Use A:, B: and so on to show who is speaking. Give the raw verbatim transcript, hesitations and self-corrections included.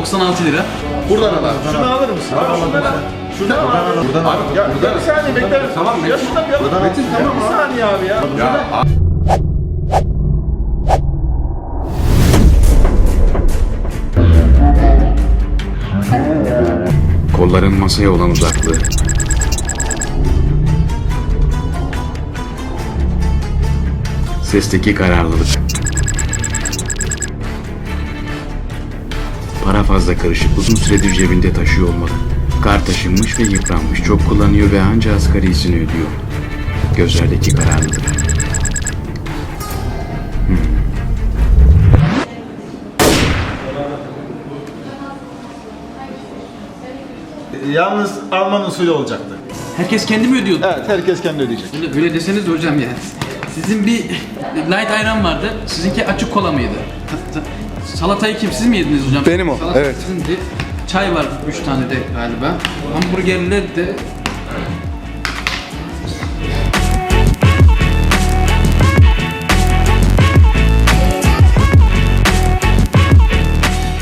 A: doksan altı lira.
B: Buradan al abi. Şunu alır mısın? Abi şundan al. Şuradan al abi. Buradan al. Ya bir saniye bekler misin? Tamam. Ya şuradan bir al. Metin tamam. Bir saniye abi ya. Ya
C: Kolların masaya olan uzaklığı. Sesteki kararlılık. Para fazla karışık, uzun süredir cebinde taşıyor olmalı. Kar taşınmış ve yıpranmış, çok kullanıyor ve anca asgarisini ödüyor. Gözlerdeki kararlılık. Hmm.
B: yalnız Alman usulü olacaktı.
A: Herkes kendi mi ödüyordu?
B: Evet, herkes kendi ödeyecek.
A: Öyle, öyle deseniz de hocam yani. Sizin bir light ayran vardı, sizinki açık kola mıydı? Ta- ta- Salatayı kim, siz mi yediniz hocam?
D: Benim o,
A: Salata
D: evet.
A: sizindi. Çay var üç tane de galiba. Hamburgerler de